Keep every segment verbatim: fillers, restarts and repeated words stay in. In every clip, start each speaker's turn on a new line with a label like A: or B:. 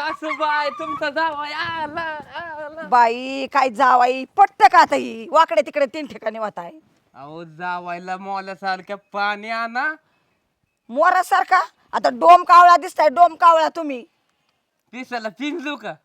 A: सासूबाई तुमचा जावाई आला आला.
B: बाई काय जावाई पटत का आता ही वाकडे तिकडे तीन ठिकाणी होत आहे
A: अहो जावायला मोल्यासारख्या पाणी आणा.
B: मोरासारखा आता डोम कावळा दिसताय डोम कावळा तुम्ही
A: पिसाला पिंजू का?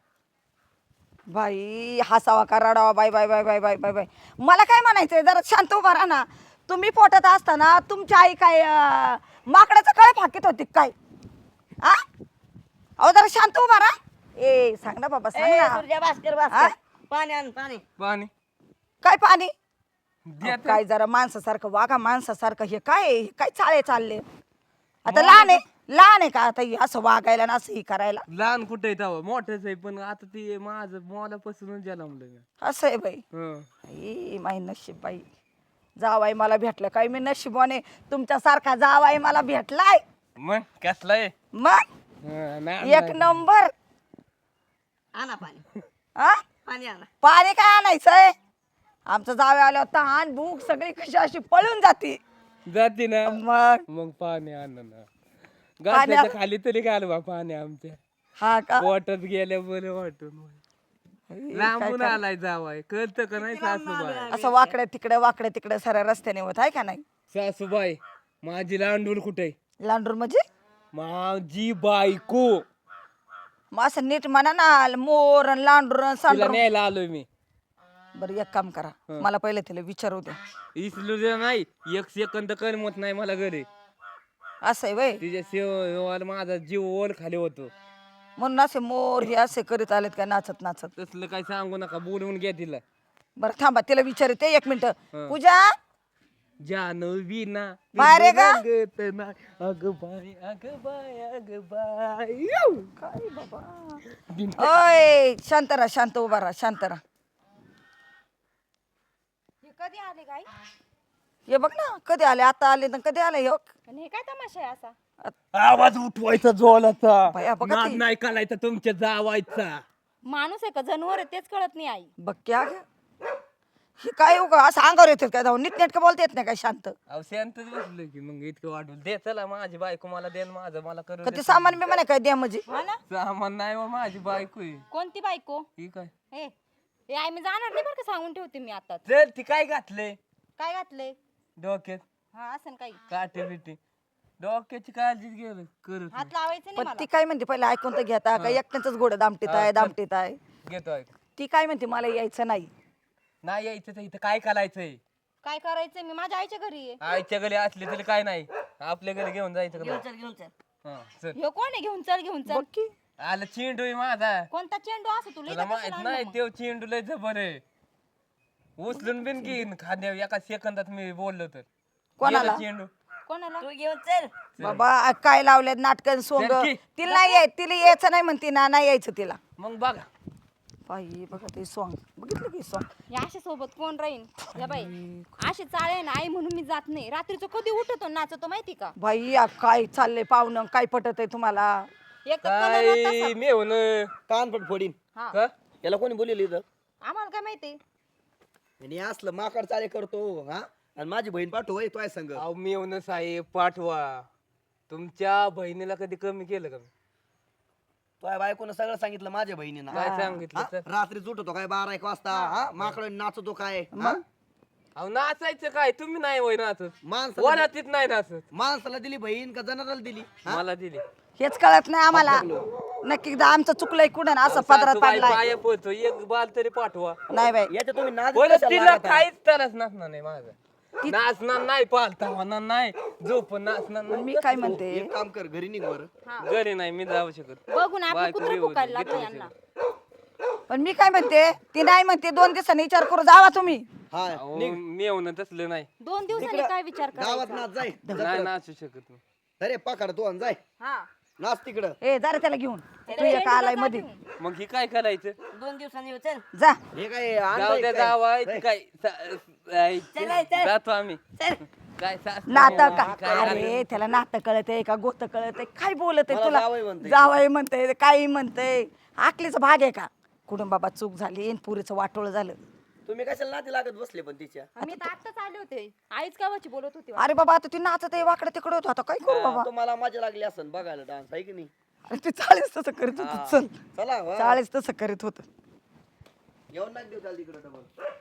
B: बाई हसावा का रडावा बाई बाई बाई बाई बाई बाई बाई मला काय म्हणायचंय जरा शांत उभा राहा ना. तुम्ही पोटात असताना तुमची आई काय अं, माकडाचं कळे फाकीत होती काय आ अहो जरा शांत उभा राहा. ए सांग ना बाबा सांग
C: ए,
B: ना.
C: सूर्या भास्कर
B: हा?
C: भास्कर पाणी आण पाणी.
A: पाणी
B: काय पाणी
A: द्या
B: अहो,
A: तर.
B: काय जरा माणसासारखं वागा माणसासारखं हे काय आहे? हे काय चाळे चालले आता लहान आहे लहान आहे का आता हे असं वागायला ना असं हे करायला
A: लहान कुठे आहे तेव्हा मोठेच आहे पण आता ते माझं मोलापासूनच जन्मलं मी.
B: असं आहे बाई
A: हं.
B: आई माई नशीब बाई जावाई मला भेटलं काय मी नशिबाने तुमच्यासारखा जावाई मला भेटलाय
A: मग कसला आहे?
B: मग
A: हं, नाही
B: एक नंबर
C: आणा पाणी
B: हा
C: पाणी आणा.
B: पाणी काय आणायचंय आमचं जावे आलं तहान भूक सगळी कशी अशी पळून जाते
A: जाते ना
B: मग
A: मग पाणी आण ना.
B: पाण्या-
A: गाठ्याच्या खाली तरी घालवा पाणी आमच्या.
B: हा का
A: वाटत गेल्या बरं वाटून. लांबून आलाय जावाय कळतं का नाही सासूबाई?
B: असं वाकडे तिकडे वाकडे तिकडे साऱ्या रस्त्याने होत आहे का नाही
A: सासूबाई माझी लांडूल कुठे?
B: लांडूर म्हणजे
A: माझी बायको
B: मग असं नीट म्हणा ना मोर अन लांडूर अन
A: तिला
B: सांडूर
A: न्यायला आलोय मी.
B: बरं एक काम करा मला पहिले तिला विचारू द्या
A: इसलू दे नाही एक सेकंद करमत नाही मला घरी.
B: असं आहे वय
A: तिच्या सेवाला माझा जीव ओल खाली होतो.
B: म्हणून असे मोर हे असे करीत आलेत का नाचत नाचत
A: तसलं काही सांगू नका बोलवून घ्या तिला.
B: बरं थांबा तिला विचारते एक मिनिट पूजा
A: जानवी ना
B: बाहेर आहे का?
A: अग बाय अग बाय अग बाय.
B: काय बाबा ओय शांत राहा शांत उभा राहा शांत राहा
D: कधी आले काय
B: हे बघ ना कधी आले आता आले ना कधी आले हे बघ.
D: आणि हे काय तमाशा आहे असा
A: आवाज उठवायचा जोलाचा.
B: बाया, बघा
A: नाद
B: ती.
A: नाही काढायचा तुमच्या जावायचा.
D: माणूस आहे का जनावर आहे तेच कळत नाही आई
B: बघ क्या ग हे काय उगा असं अंगावर येतात काय जाऊन नीट नेटकं बोलता येत नाही काय शांत
A: अहो शांतच बसलो की मग इतकं वाटून दे चला माझी बायको मला दे न माझं मला करू
B: का
A: दे.
B: ते सामान मी म्हणे काय द्या म्हणजे
D: हा ना
A: सामान नाही हो माझी बायको आहे.
D: कोणती बायको
A: ही काय
D: हे हे आई मी जाणार नाही बरं का सांगून ठेवते मी आता
A: चल ती काय घातले
D: काय घातले
A: डोक्यात
D: हा असं काही
A: काटे बिटे डोक्याची काळजी घे करत
D: हात लावायचं नाही
B: पण
D: मला
B: ती काय म्हणते पहिले ऐकून तर घेता का एकट्याच घोडं दामटीत आहे दामटीत आहे
A: घेतो ऐक.
B: ती काय म्हणते मला यायचं नाही
A: नाही यायचं तर इथं काय करायचंय?
D: काय करायचंय मी माझ्या आईच्या घरी आहे
A: आईच्या घरी असली तरी काय नाही आपल्या घरी घेऊन जायचं का
C: घेऊन
A: नाही?
C: चल घेऊन चल.
A: हा, चल.
D: हे कोण आहे घेऊन चल घेऊन चल
B: बघ की
A: आला चेंडू आहे माझा.
D: कोणता चेंडू असं तुला
A: तुला
D: इथं
A: माहित
D: कशाला
A: नाही
D: आणलं मग?
A: तेव चेंडू लय जबर आहे. उचलून बिन घेईन खाद्या एका सेकंदात मी बोललो तर.
B: कोणाला?
A: गेला चेंडू
D: कोणाला
C: तू घेऊन चल.
B: बाबा काय लावले नाटकं सोंग
A: चल की.
B: तिला नाही याय तिला यायचं नाही म्हणते ना नाही यायचं तिला
A: मग बघा
B: बाई बघा ते सॉंग बघितलं की सॉंग
D: या अशा सोबत कोण राहीन या बाई अशी चाळे ना आई म्हणून मी जात नाही रात्रीचं कधी उठतो नाचतो माहिती का
B: बाई आ, काय चाललंय पाहुणं काय पटत आहे तुम्हाला
D: एक तर कलर होता
A: काय
D: तसा.
A: मी होऊन
E: कान पण फोडीन
D: हा
A: का
E: याला कोणी बोलले इथं
D: आम्हाला काय माहिती
E: आणि असलं माकड चाले करतो हा आणि माझी बहीण पाठव होय तोय संग
A: अहो मी येऊन साहेब पाठवा तुमच्या बहिणीला कधी कमी केलं का मी?
E: तोय बायकोनं सगळं सांगितलं माझ्या बहिणीनं
A: काय सांगितलं
E: हा?
A: तर?
E: रात्री उठतो काय बारा एक वाजता हा माकड नाचतो काय हा?
A: अहो नाचायचं काय तुम्ही नाही वय नाचत
E: माणसाला
A: वरातीत नाही नाचत
E: माणसाला दिली बहीण का जनावराला दिली हा?
A: मला दिली
B: हेच कळत नाही आम्हाला नक्की एकदा आमचं चुकलंय कुठं ना असं पदरात
A: सासूबाई
B: पाडलाय
A: पाया पडतो एक बाल तरी पाठवा.
B: नाही बाई
E: याच्या तुम्ही नाद
A: बोल
E: कशाला
A: तिला
E: लागता?
A: काहीच तरच नाचणार नाही माझा. नाचणार नाही पालता होणार नाही झोप नाचणार
B: पण
A: नाही.
B: मी काय म्हणते
E: एक काम कर घरी निघ बरं
A: घरी नाही मी जाऊ शकत.
D: बघून आपलं
A: बायको
D: कुत्र
A: बी होती,
D: फुकायला लागलं
A: घेतली
D: यांना
B: पण मी काय म्हणते ती नाही म्हणते दोन दिवसांनी विचार करू जावा तुम्ही
E: हा
A: अहो, मी येऊन तसलं नाही
D: दोन दिवसांनी काय विचार
E: गावात
D: करायचा
E: नाच जाय
A: नाही नाचू शकत मी.
E: अरे पाकाड तू आणि जाय
D: हा
E: नाच तिकडं
B: ए जरा त्याला घेऊन तू एक आलाय मध्ये
A: मग ही काय करायचं?
C: दोन दिवसांनी येऊ चल.
B: जा
E: हे काय
A: जाऊ
E: आणलंय
A: द्या
E: काय?
A: जावाय
E: जाय.
A: काय सा- आई,
C: चल, चल.
A: जातो आम्ही
C: चल.
A: काय सासू
B: नातं का
A: काय
B: अरे त्याला नातं कळत आहे का गोत कळत आहे काय बोलत आहे
E: मला
B: तुला
E: जावई म्हणते.
B: जावई म्हणते काही म्हणते आकलीचा भाग आहे का कुठून बाबा चूक झाली आणि पुरीचं वाटोळ झालं
E: तुम्ही कशाला नाती लागत बसले पण तिच्या
D: मी तर आत्ताच आले होते आईच गावाची बोलत होती
B: अरे बाबा आता ती नाचत आहे वाकडे तिकडे होतो आता काय करू बाबा
E: तुम्हाला मजा लागली असन बघायला डान्स आहे की नाही
B: अरे ते चाळीस तसं करीत होत चल
E: चला वा.
B: चाळीस तसं करीत होत
E: येऊन नाक देऊ त्याला तिकडं डबल